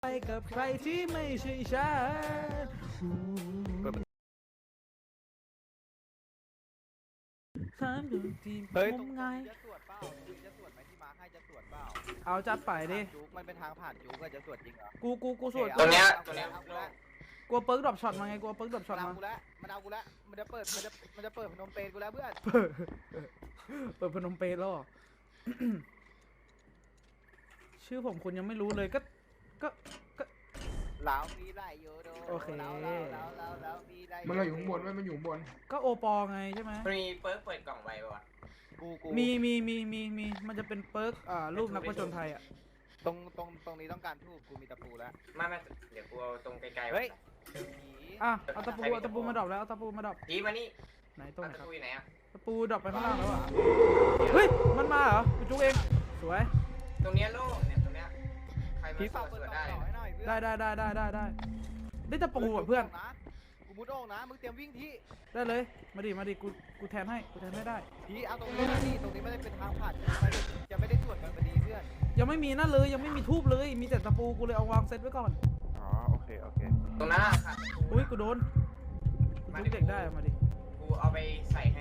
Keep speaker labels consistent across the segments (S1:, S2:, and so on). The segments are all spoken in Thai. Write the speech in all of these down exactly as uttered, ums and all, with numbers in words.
S1: ไปกับใครที่ไม่ใช่ฉันฉันอยู่ที่ผมไง
S2: จะตรวจเปล่าจะตรวจไหมที่มาให้จะตรวจเปล่า
S1: เอาจัดไปดิ
S2: จุกมันเป็นทางผ่านจุกก็จะตรวจจริงเหรอ
S1: กูกูกูสวด
S3: ตัวเนี้ยตัวเนี้ย
S1: กลัวเปิร์กดรอปช็อตมาไงกลัวเปิร์กดรอปช็อต
S2: มัน
S1: มา
S2: เอากูแล้วมันเอากูแล้วมันจะเปิดมันจะมันจะเปิดพนมเปญกูแล้วเพื่อน
S1: เปิดเปิดพนมเปญแล้ว ชื่อผมคุณยังไม่รู้เลยก็ก็ก็
S2: ลาวมีไรโยโด
S1: โอเค
S2: ลาวลาวลาวลาวลาวมีไร
S4: มันเราอยู่ข้างบนไว้มันอยู่ข้างบน
S1: ก็โอปอไงใช่ไหม
S3: มีเปิร์กเปิดกล่องไว้ป่ะ
S2: กูกู
S1: มีมีมีมีมีมันจะเป็นเปิร์กอ่ารูปนักผจญภัยอ่ะ
S2: ตรงตรงตรงนี้ต้องการทูบกูมีตะปูแล้ว
S3: ไม่ไม่เดี๋ยวกูเอาตรงไกลๆ
S2: เฮ้ย
S1: อ่ะเอาตะปูเอาตะปูมาดรอปแล้วเอาตะปูมาดรอป
S3: ผีมานี่
S1: ไหนตรงไหน
S3: ตะ
S1: ครับ
S3: ปูอยู่ไหนอ่ะ
S1: ตะปูดรอปไปข้างล่างแล้วอ่ะเฮ้ยมันมาเหรอกูจุกเองสวย
S3: ตรงเนี้ยโล่งเนี่ยตรงเนี้ยใครมา
S2: ผี
S3: ส
S2: เฝ้าว
S3: ด
S2: เปิด
S3: สวด
S2: ต่อ
S3: ได้
S2: ให้หน่อยเพื่อน
S1: ได้ได้ได้ได้ได้ได้ได้ตะปูอ่ะเพื่อน
S2: นะกูมุดโอ่งนะมึงเตรียมวิ่งที่
S1: ได้เลยมาดิมาดิกูกูแทนให้กูแทนให้ได้
S2: ผีเอาตรงนี้นะนี่ตรงนี้ไม่ได้เป็นทางผ่านจะไม่ได้ตรวจกันพอดีเพื่อน
S1: ยังไม่มีนั่นเลยยังไม่มีทูบเลยมีแต่ตะปูกูเลยเอาวางเซตไว้ก่อน
S2: อ๋อโอเคโอเค
S3: ตรงนั้นอะค่ะ
S1: อุ้ยกูโดนกูจุกเด็กได้มาดิ
S3: กูเอาไปใส่ให้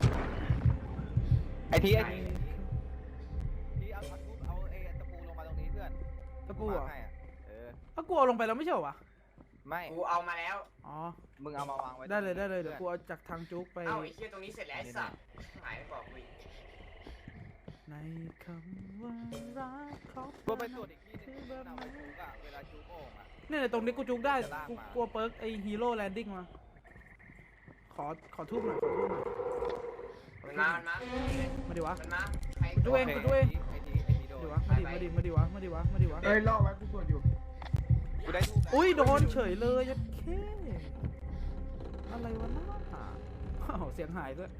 S2: ไอทีไอทีทีเอาทักทูบเอาไอตะปูลงมาตรงนี้เพื่อน
S1: ตะปูเหรอ
S2: ให้อะเออ
S1: เอากูเอาลงไปแล้วไม่ใช่เหรอวะ
S2: ไม่
S3: กูเอามาแล้ว
S1: อ๋อ
S2: มึงเอามาวางไว้
S1: ได้เลยได้เลยเดี๋ยวกูเอาจากทางจุกไป
S3: เอ้าไอ้เหี้ยตรงนี้เสร็จแล้วไอ้สัตว์หายไปบอกกูอีก
S1: ในคำว่ารักของ
S2: กูไปตรวจอีกที่นึงที่เอาไปจูกอะเวลาจูกโอ่งอะ
S1: เนี่ยตรงนี้กูจุกได้กูกลัวเปิร์กไอฮีโร่แลนดิ้งมาขอขอทูบหน่อยขอทูบหน่อย
S3: มันมามันมา
S1: มาดิวะ
S3: มันมาใคร
S1: กูเองกูเอง
S2: ไอทีไอทีโด
S1: มาน ดิวะมาดิมาดิมาดิวะมาดิวะมาดิวะ
S4: เอ้ยล่อไว้กูตรวจอยู่
S2: กูได้ทูบแล้ว
S1: อุ้ยโดนเฉยเลยยัดเคอะไรวะน้าอ้าวเสียงหายด้วย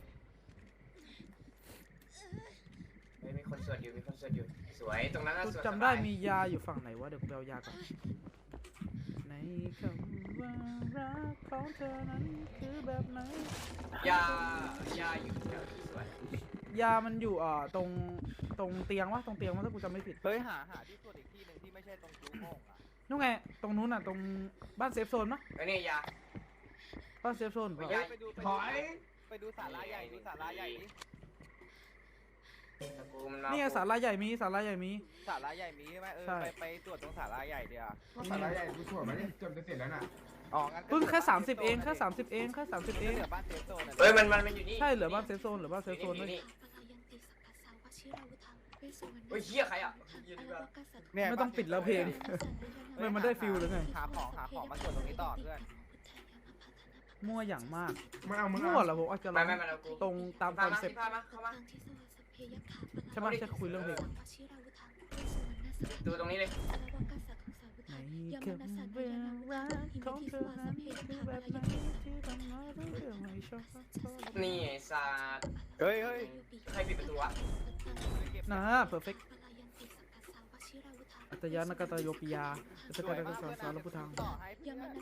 S3: เฮ้ยมีคนสวดอยู่มีคนสวดอยู่สวยตรงนั้นน่ะ
S1: กู
S3: สวด
S1: จำได้มียาอยู่ฝั่งไหนวะเดี๋ยวกูไปเอายาก่อนในคำว่ารักของเธอนั้นคือแบบไหน
S3: ยายาอยู่แถวที่สวย
S1: ยามันอยู่อ่าตรงตรงเตียงวะตรงเตียงวะถ้ากูจำไม่ผิด
S2: เฮ้ยหาหาที่ตรวจอีกที่นึงที่ไม่ใช่ตรงจูกโอ่งอะ
S1: นู่นไงตรงนู้นน่ะตรงบ้านเซฟโซนปะ
S3: ไอ้นี่ยา
S1: บ้านเซฟโซนปะ
S2: เฮ้ยไปดูไป
S4: ถ
S2: ดู
S4: อย
S2: ไปดูศาลาใหญ่ดูศาลาใหญ่ดิ
S3: ตะกูมันมา
S1: นี่ไงศาลาใหญ่มีศาลาใหญ่มี
S2: ศาลาใหญ่มีใช่ไหมเออ
S1: ใช่
S2: ไปไปตรวจตรงศาลาใหญ่เดียว
S4: ก็สาระใหญ่กูตรวจมาเนี่ยจนจะเสร็จแล้วน่ะ
S2: อ๋องั้นก็
S1: เพิ่งแค่สามสิบเองแค่สามสิบเองแค่สามสิบเอง
S2: เหลือบ้านเซฟโซนอะ
S3: เฮ้ยมันมันมันอยู่นี่
S1: ใช่เหลือบ้านเซฟโซนเหลือบ้านเซฟโซน
S3: อ
S1: ด้วย
S3: ยู่นี่เฮ้ยเหี้ยใครอ่ะยืนดีกว่า
S2: เนี่ย
S1: ไม่ต้องปิดแล้วเพลง ไม่มันได้ฟิลแล้วไง
S2: หาของหาของมาตรวจตรงนี้ต่อเพื่อน
S1: มั่วอย่างมาก
S4: มันเอามึง
S1: มั่วเหรอผมอาจจะล
S3: ไม่
S1: อง
S3: ไม่ไม่เรากู
S1: ตรงตามค
S3: พา
S1: อน
S3: มา
S1: เซ็ป
S3: ที่
S1: ต์
S3: พามาเข้ามา
S1: ใช่ปะจะคุยเรื่องเพลง
S3: ดูตรงนี้เลย
S1: ในคำว่ารักของเธอนั้นคือแบบไหนที่ทำให้เรื่องไม่ชอบ
S3: นี่ไอ้สัตว์
S2: เฮ้ยเฮ้ย
S3: ใครปิดประตูวะ
S1: นะเพอร์เฟกต์อัตยานกตโยปิยาอัตกตกสารสารพุทธัง
S2: ต่อให้เพื่อน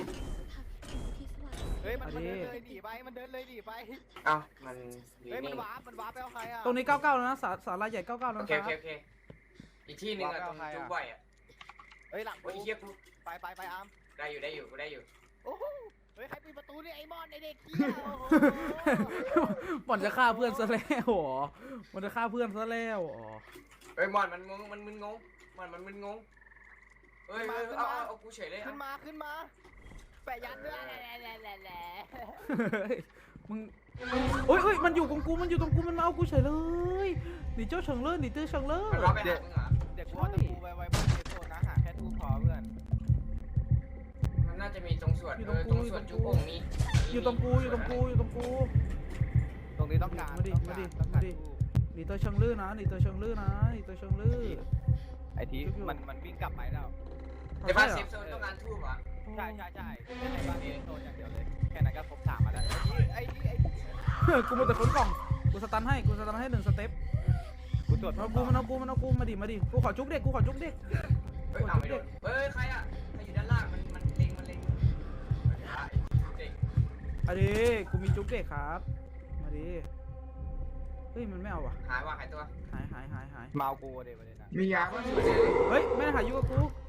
S2: เฮ้ยมันมันเดินเลยหนีไปมันเดินเลยหนีไป
S3: เอ้ามันอยู่
S2: เฮ้ยมั
S3: นี่
S2: นวาร์ปมันวาร์ปไปเอาใครอะ
S1: ตรงนี้เก้าเก้าแล้วนะสาสาราใหญ่เก้าเก้าแล้ว
S3: โอ
S1: นะ
S3: เค
S1: ค
S3: โอ
S1: รับ
S3: เคโอเคอีกที่หนึ่งอะตรงจุ๊บบ่อยอะ
S2: เฮ้ยหลัง
S3: โอ้ยเหี้ยกู
S2: ไปไปไปอาร์ม
S3: ได้อยู่ได้อยู่กูได้อยู่
S2: โอ้โหเฮ้ยใครปิดประตูนี่ไอ้มอนไอ้เด็กเหี้ยโอ้โห
S1: บ่อนจะฆ่าเพื่อนซะแล้วเหรอมันจะฆ่าเพื่อนซะแล้วอ๋อ
S3: เฮ้ยมอนมันงงมันมึนงงมอนมันมึนงงเฮ้ยเอาเอาเอากูเฉยเลย
S2: ขึ้นมาขึ้นมาแปะยันด้วยแหละแหละแหละแหละ
S1: เฮ้ยมึงโอ้ยโอ้ยมันอยู่ตรงกูมันอยู่ตรงกูมันมาเอากูเฉยเลยหนีเจ้าเฉิงเลิศหนีเจ้าเฉิงเลิศ
S3: มันร้องไปหามึงเหรอ
S2: เด็กกูเอาตะปูไว้ไว้บนเซฟโซนนะหาแค่ทูพอเพื่อน
S3: มันน่าจะมีตรงส่วนเออตรงส่วนจุ๊บโอ่งนี้
S1: อยู่ตรงกูอยู่ตรงกูอยู่ตรงกู
S2: ตรงนี้ต้องการ
S1: มาดิ
S2: ต้อง
S1: มา
S2: การ
S1: ดิ
S2: ต้อง
S1: มา
S2: การ
S1: ดิ
S2: ทู
S1: หนีเจ้าเฉิงเลิศนะหนีเจ้าเฉิงเลิศนะหนีเจ้าเฉิงเลิศ
S2: ไอ้ทีมันมันวิ่งกลับไปแล้ว
S3: แต่บ้านเซฟโซนต้องการทูบเหรอ
S2: ใช่ใช่ใช่ไม่ใช่บ้านเซฟโซนอย่างเดียวเลยแค่นั้นก็ครบสามมาแล้วไอ้ทีไอ้ที
S1: เฮ้ยกูมาแต่ขนกล่องกูสตันให้กูสตันให้หนึ่งสเต็ป
S2: กูตรวจ
S1: เอากูมันเอากูมันเอากูมาดิมาดิกูขอจุกเด็กกูขอจุกเด็ก
S3: เฮ้ยเอาไม่โดนเฮ้ยใครอะใครอยู่ด้านล่างมันมันเล็งมันเล็งเด็ก
S1: อะดิกูมีจุกเด็กครับมาดิเฮ้ยมันไม่เอาว่ะ
S3: หายว่าหายตัว
S1: หายหายหายหาย
S2: เมากูเดี๋ยวประเด็นนะ
S4: มียาป่ะ
S1: เฮ้ยไม่ได้หายุกับกู
S3: โอเคโอ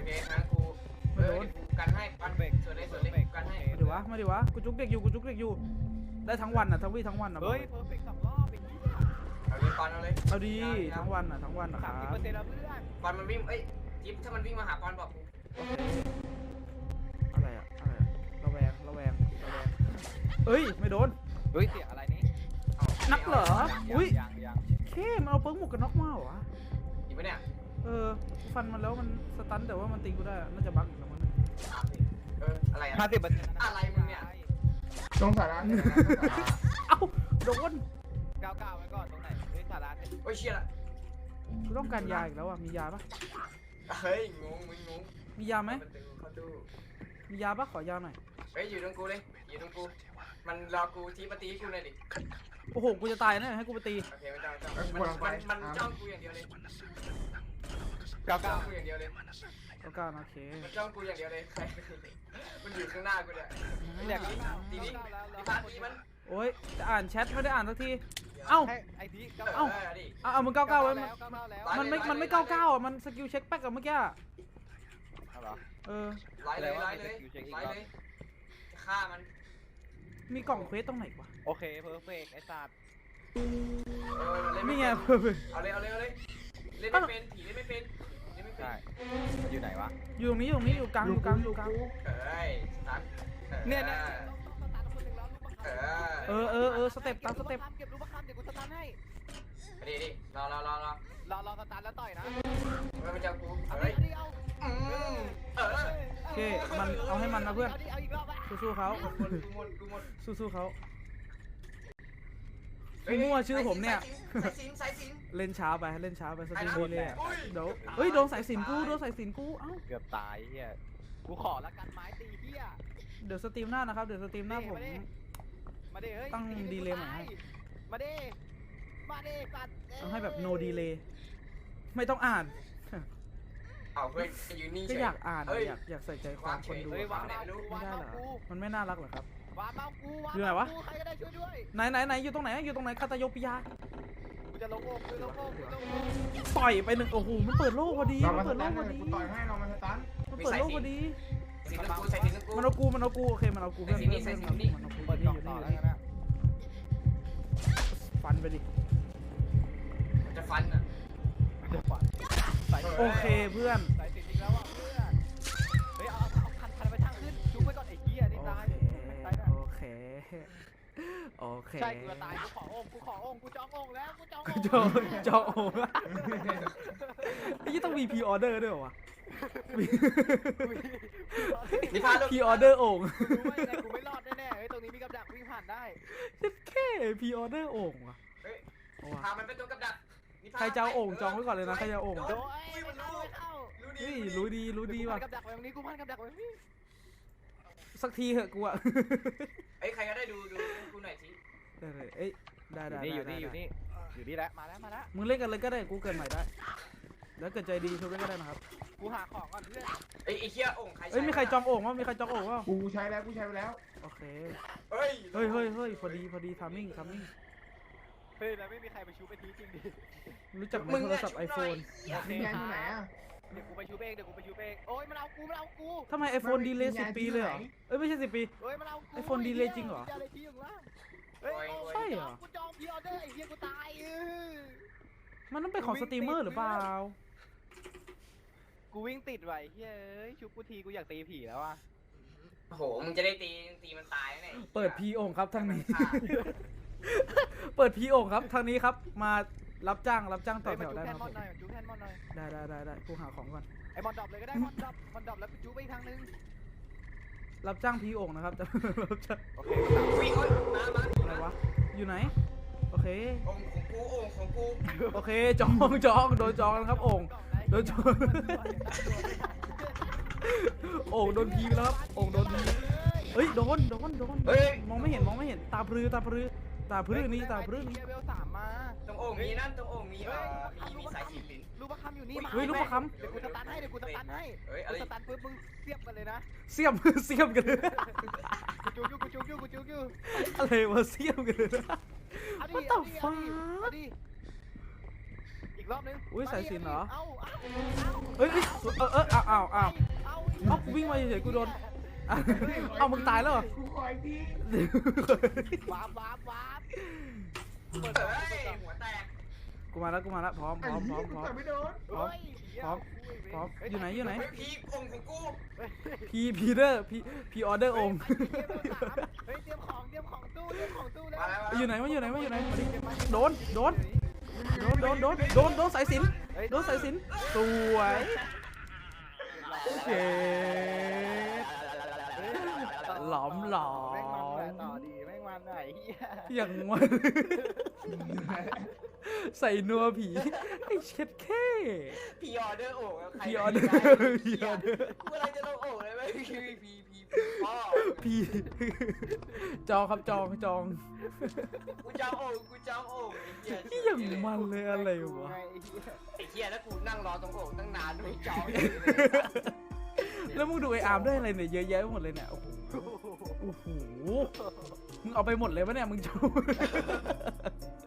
S3: เคงั้นกูเออกันให้ปันเบรกส่วนเล็กส่วนเล็กกันให้
S1: มาดิวะมาดิวะกูจุกเด็กอยู่กูจุกเด็กอยู่ได้ทั้งวันอ่ะทั้งวี่ทั้งวันอ่ะ
S2: เฮ้ยเพอร์เฟกต์สองรอบเป็นที่
S3: เอาเลยปันเอาเลย
S1: เอาดีทั้งวันอ่ะทั้งวันนะค
S2: สา
S1: รั
S2: ม
S1: บ
S2: สิบเปอร์เซ็นต์แล้วเพื่อน
S3: ปันมันวิ่งเอ้ยจิ๊บถ้ามันวิ่งมาหาปันบอกกู
S1: โอเคอะไรอะอะไรอะระแวงระแวงระแวงเอ้ยไม่โดน
S2: เฮ้ยเสียงอะไรนี่
S1: นักเหรออุ้ย
S2: ยังยัง
S1: เข้มันเอาเปิ้งหมวกกันน็อกมาเหรอวะ
S3: อีกปะเนี่ย
S1: เออฟันมันแล้วมันสตันแต่ว่ามันตีกูได้น่าจะบั๊กแต่มัน
S3: เอออะไรอ่ะ
S2: ห้าสิบเปอร์เซ็นต์
S3: อะไรมึงเนี่ย
S4: ตรงสาระเนี่ยนะตรงสาระ
S1: เอ้าโดน
S2: เก้าเก้าไว้ก่อนตรงไหนเฮ้ยสาระเนี่ย
S3: โอ้ยเชี่ยละ
S1: กูต้องการยาอีกแล้วอ่ะมียาปะ
S3: เฮ้ยงงมึงงง
S1: มียาไหม
S3: เขาดู
S1: มียาปะขอยาหน่อย
S3: เฮ้ยอยู่ตรงกูเลยอยู่ตรงกูมันรอกูทีปฏิกูเลยดิ
S1: โอ้โหกูจะตายนะให้กูไปตี
S3: โอเคไม่ต้องไม่ต้องมันมันมันจ้องกูอย่างเดียวเลย
S2: เก้า
S3: จ้อ
S2: เก้าง
S3: กูอย่างเดียวเลย
S1: แล้วกันโอเค
S3: มันจ้องกูอย่างเดียวเลยใครมันอยู่ข้างหน้ากูเนี่ย
S2: อยาก
S3: ที
S2: ดี
S3: นี้
S2: นี้
S3: ทีพาทีมัน
S1: โอ้ยจะอ่านแชทไม่ได้อ่านสักทีเอ้า
S2: ให้ไอทีเก้า
S3: เอ้า
S2: เก้า
S3: ดิ
S1: เอาเอามึงเก้าเก้าไว้มัน
S2: แล้วเก้าเก้าแล้ว
S1: มันไม่มันไม่เก้าเก้าอ่ะมันสกิลเช็คแป๊กกับเมื่อกี้อะ
S2: เอาเหรอ
S1: เออ
S3: ไล่เลยไล่เลยไล่เลยฆ่ามัน
S1: มีกล่องเควสตรงไหนวะ
S2: โอเคเพอร์เฟกต์ไอ้สัตว์
S3: เออเล่น
S1: นี่
S3: ไม่
S1: ไง
S3: เป็น
S1: เพิ่ม
S3: เอาเลยเอาเลยเอาเลยเล่นไม่เป็นผีเล่นไม่เป็นเล่นไม่เป็น
S2: ใช่อยู่ไหนวะ
S1: อยู่ตรงนี้อยู่ตรงนี้อยู่กลางอยู่กลางอยู่กลาง
S3: เอ้ยตัด
S2: เนี่ยเนี่ย
S3: เออ
S1: เออเออเออสเต็ปตามสเต็ป
S2: เก็บรูปคำเดี๋ยวกูสตาร์ทให้
S3: ดิดิรอรอรอรอ
S2: รอรอสตาร์ทแล้วต่อยนะ
S3: เฮ้ยมันจะกู
S2: เอา
S3: เฮ้
S2: ดิ
S3: ย
S2: เอาดิเอา
S3: อืมเออ
S1: โอเคมันเอาให้มันนะเพื่อน
S2: เอาดิเอาอีกรอบอ่ะ
S1: สู้ๆเขา
S3: กูหมดกูหมดกูหมด
S1: สู้ๆเขามั่วชื่อผมเนี่ย
S3: สายสินสายสิน
S1: เล่นช้าไปเล่นช้าไปสตรีม
S3: ไอ้
S1: ดี
S3: นั่น
S1: เลยอะ
S3: อุ้ย
S1: เดี๋ยวเฮ้ยโดนสายสินกูโดนสายสินกูเอ้า
S2: เกือบตายเฮียกูขอละกันไม้ตีเฮีย
S1: เดี๋ยวสตรีมหน้านะครับเดี๋ยวสตรีมหน้าผม
S2: มาดิเฮ้ย
S1: ตั้งดีเลย์ใหม่ให้
S2: มาดิมาดิสัตว์
S1: ต้องให้แบบ no delay ไม่ต้องอ่าน
S3: เอาเฮ้ยยืนนิ่งเฉ
S1: ก็
S3: ย
S1: อยากอ่าน
S3: เฮ้ย
S1: อยากอยากใส่ใจความคนดู
S2: เฮ้ยวาง
S3: ไหน
S2: เมา
S3: ไม่รู้
S2: กู
S1: ไม่
S2: วาง
S1: ได้
S2: เมา
S1: เหรอ
S2: กู
S1: มันไม่น่ารักเหรอครับ
S2: วางเมากูวาง
S1: อยู่ไหนวะ
S2: เมากูใครก็ได้ช่วยด้วย
S1: ไหนไหนไหนอยู่ตรงไหนอยู่ตรงไหนคาตาโยปิยา
S2: กูจะลงโลกกูจะลงโลกกูจะลงโลก
S1: ต่อยไปหนึ่งโอ้โหมันเปิดโลกพอดี
S4: เรา
S1: มั
S4: มาน ส
S1: เปิดโล
S4: ตั
S1: ก
S4: น
S1: พอ
S4: เลย
S1: ดี
S4: กูต่อยให้เรามาสตัน
S1: มันเปิดโลกพอดี
S3: สินกูใส่สินกู
S1: มันเอากูมันเอากูโอเคมันเอากูเพื่อน
S3: ใส่
S1: เพื่อน
S3: สิ
S1: เพื่อน
S3: นนี่
S1: มันเอากู
S2: เปิด
S1: นี่
S2: กล่อง
S1: อยู่
S2: ต่
S1: นี่
S2: อ
S1: อยู่
S2: แล้ว
S1: นี่
S2: นะ
S1: ฟันไปดิ
S3: จะฟันอ่ะ
S2: เดี๋ยวก่อนใส่
S1: โอเคเพื่อน
S2: ใส่ติดอีกแล้วอ่ะเพื่อนเฮ้ยเอาเอาคันคันไปทางขึ้นจุ๊บไว้ก่อนไอ้เหี้ยนี่
S1: โอ
S2: ตาย
S1: เค
S2: ตายนะ
S1: โอเคโอเค
S2: ใช่กูจะตายกูขอองค์กูขอองค์กูจององค์แล้วกูจององค์
S1: จองจองโอ่งไอ้ยี่ต้องมีพรีออเดอร์ด้วยเหรอวะ
S3: นี่พาลูก
S1: พรีออเดอร์โอ่ง
S2: กูรู้ว่ายังไงกูไม่รอดแน่ๆเฮ้ยตรงนี้มีกับดักวิ่งผ่านได้
S1: แค่พรีออเดอร์โอ่งว่ะ
S3: เฮ้ย
S1: เอาว่ะ
S3: พามันไปตัวกับดัก
S1: ใครจะเอาโอ่งจองไว้ก่อนเลยนะใครจะเอาโอ่ง
S2: โดยไม่เข้าไม่เข้า
S1: เฮ้ยรู้ดีรู้ดีว่ะ
S2: กูพันกับดักไว้ตรงนี้กูพันกับดักไว้ตรงนี้
S1: สักทีเหอะกูอะ
S3: เอ้ยใครก็ได้ดูดูกูหน่อยที
S1: ได้เลยเอ้ยได้
S2: อ
S1: ได้
S2: ยู่
S1: ได้
S2: นี่อยู่
S1: ได้
S2: นี่อยู่นี่อยู่นี่แล้วมาแล้วมาแล้ว
S1: มึงเล่นกันเลยก็ได้กูเกินใหม่ได้ แล้วเกิดใจดีช่วยกันก็ได้นะครับ
S2: กูหาของก่อนเพื่อน
S3: ไอ้ไอ้เหี้ยโอ่งใคร
S1: เอ้ยมีใครจองโอ่งวะมีใครจองโอ่งวะ
S4: กูใช้แล้วกูใช้ไปแล้ว
S1: โอเค
S3: เฮ้ย
S1: เฮ้ยเฮ้ยเฮ้ยพอดีพอดีทามมิ่งทามมิ่ง
S2: เฮ้ยแล้วไม่มีใครไปชูไปทีจริงดิ
S1: รู้จักไหมโทรศัพท์ไอโฟน
S2: โอเค
S4: มีงานอยู่ไหนอ่ะ
S2: เดี๋ยวกูไปชูเองเดี๋ยวกูไปชูเองโอ้ยมันเอากูมันเอากู
S1: ทำไมไอโฟนดีเลย์สิบปีเลยเหรอเอ้ยไม่ใช่สิบปี
S2: เฮ้ยมันเอากู
S1: ไอ้โฟนดีเลย์จริงเหรอ
S2: ดีเลย์ที่อยู่ล่างเฮ้ย
S1: ใช่เหรอ
S2: กูจองพีออเดอร์ไอ้เหี้ยกูตายเออ
S1: มันต้องเป็นของสตรีมเมอร์หรือเปล่า
S2: กูวิ่งติดไว้เฮ้ยชุบกูทีกูอยากตีผีแล้วอ่ะ
S3: โอ้โหมึงจะได้ตีตีมันตายแน่
S1: เปิดพีโอ่งครับทางนี้ เปิดพีโอ่งครับทางนี้ครับมารับจ้างรับจ้างต่อ
S2: เฮ้ย
S1: แถ
S2: มาว จู
S1: ได้
S2: แท
S1: นะ
S2: น
S1: ค
S2: ม
S1: รั
S2: อบ นหน่อยจูแทนมอนหน่อย
S1: ได้ได้ได้ได้กูหาของก่อน
S2: ไอ้มอนดรอปเลยก็ได้มอนดรอปมอนดรอปแล้วกูจูไปอีกทางนึง
S1: รับจ้างพีโอ่งนะครับ จะรับจ้าง
S2: โอเค
S3: วิ่งโอ้ยมามา
S1: อะไรวะอยู่ไหนโอเค
S3: โอ่งของกูโอ่งของกู
S1: โอเคจองจองโดนจองแล้วครับโอ่ง โดนจู โอ่งโดนพีไปแล้วครับโอ่งโดนพีเฮ้ยโดนโดนโดน
S3: เฮ้ย
S1: มองไม่เห็นมองไม่เห็นตาพรือตาพรือตาพรือนี้ตาพรือนี้
S2: เวลสามมา
S3: ตรงโอ่งมีนั่นตรงโอ่งมีเอ่อมีมีสายสินลิ้น
S2: ลูกประคำอยู่นี่มา
S1: เฮ้ยลูกประค
S2: เดี๋ยวกูสตันให้เดี๋ยวกูสตันให้
S3: เฮ้ยอะ
S2: กู
S3: ไร
S2: สตันปุ๊บมึงเสียบกันเลยนะ
S1: เสียม เสียมกันเลย
S2: กูจูยูกูจูยูกูจูยู
S1: อะไรวะเสียมกันเลย
S2: เอาดิ
S1: What the
S2: เอาดิเอาดิ
S1: fuck?
S2: เอาดิอีกอีกรอบนึง
S1: อุ๊ยสายสิญจน์เหรอ
S2: เอ้าเอ้า
S1: เอ้ยเอ้ยเออเอออ้าวอ้าวอ้าว
S2: เอ้า
S1: เอ้ากูวิ่งมาเฉยๆกูโดนอ่ะเอ้ามึงตายแล้วเหรอ
S4: กูขออีกที
S2: วาบวาบวาบ
S3: เปิดเฮ้ยหัวแตก
S1: กูมาแล้วกูมาแล้วพร้อมพร้อมพร้อมพร้อม
S4: แต่ไม่โดน
S1: พร้อมพร้อมพร้อมอยู่ไหนอยู่ไหน
S3: เฮ้ยพีกองของกู
S1: พีพีเดอร์พีพีออเดอร์องค์
S2: เฮ้ยเตรียมของเตรียมของตู้เตรียมของตู้แล้ว
S3: มาแล้ว
S1: อยู่ไหนวะอยู่ไหนวะอยู่ไหนมาดิโดนโดนโดนโดนโดนโดนโดนสายสิญจน์โดนสายสิญจน์สวยเก๋หลอมหลอ
S2: แม่งมันแหละ
S1: ม
S2: ต่อดีแม่งมันไหนเฮีย
S1: อย่างมัน ใส่นัวผีไอ้เช็ดแค่
S3: พีออเดอร์โอ่งใคร
S1: พีออเดอร์พีออเดอร์
S3: กูอะไรจะลงโอ่งเลยไหมพีพีพีพีพ่อ
S1: พีจองครับจองจอง
S3: กูจะโอ่งกูจะโอ่ง
S1: ที่อย่างมันเลยอะไรวะ
S2: ไงไอ้เฮีย
S3: ไอ้เหี้ยแล้วกูนั่งรอตรงโอ่งตั้งนานไม่จอง
S1: แล้วมึงดูไอ้อาร์มได้อะไรเนี่ยเยอะแยะไปหมดเลยเนี่ยโอ้โหโอ้โหมึงเอาไปหมดเลยปะเนี่ยมึงจู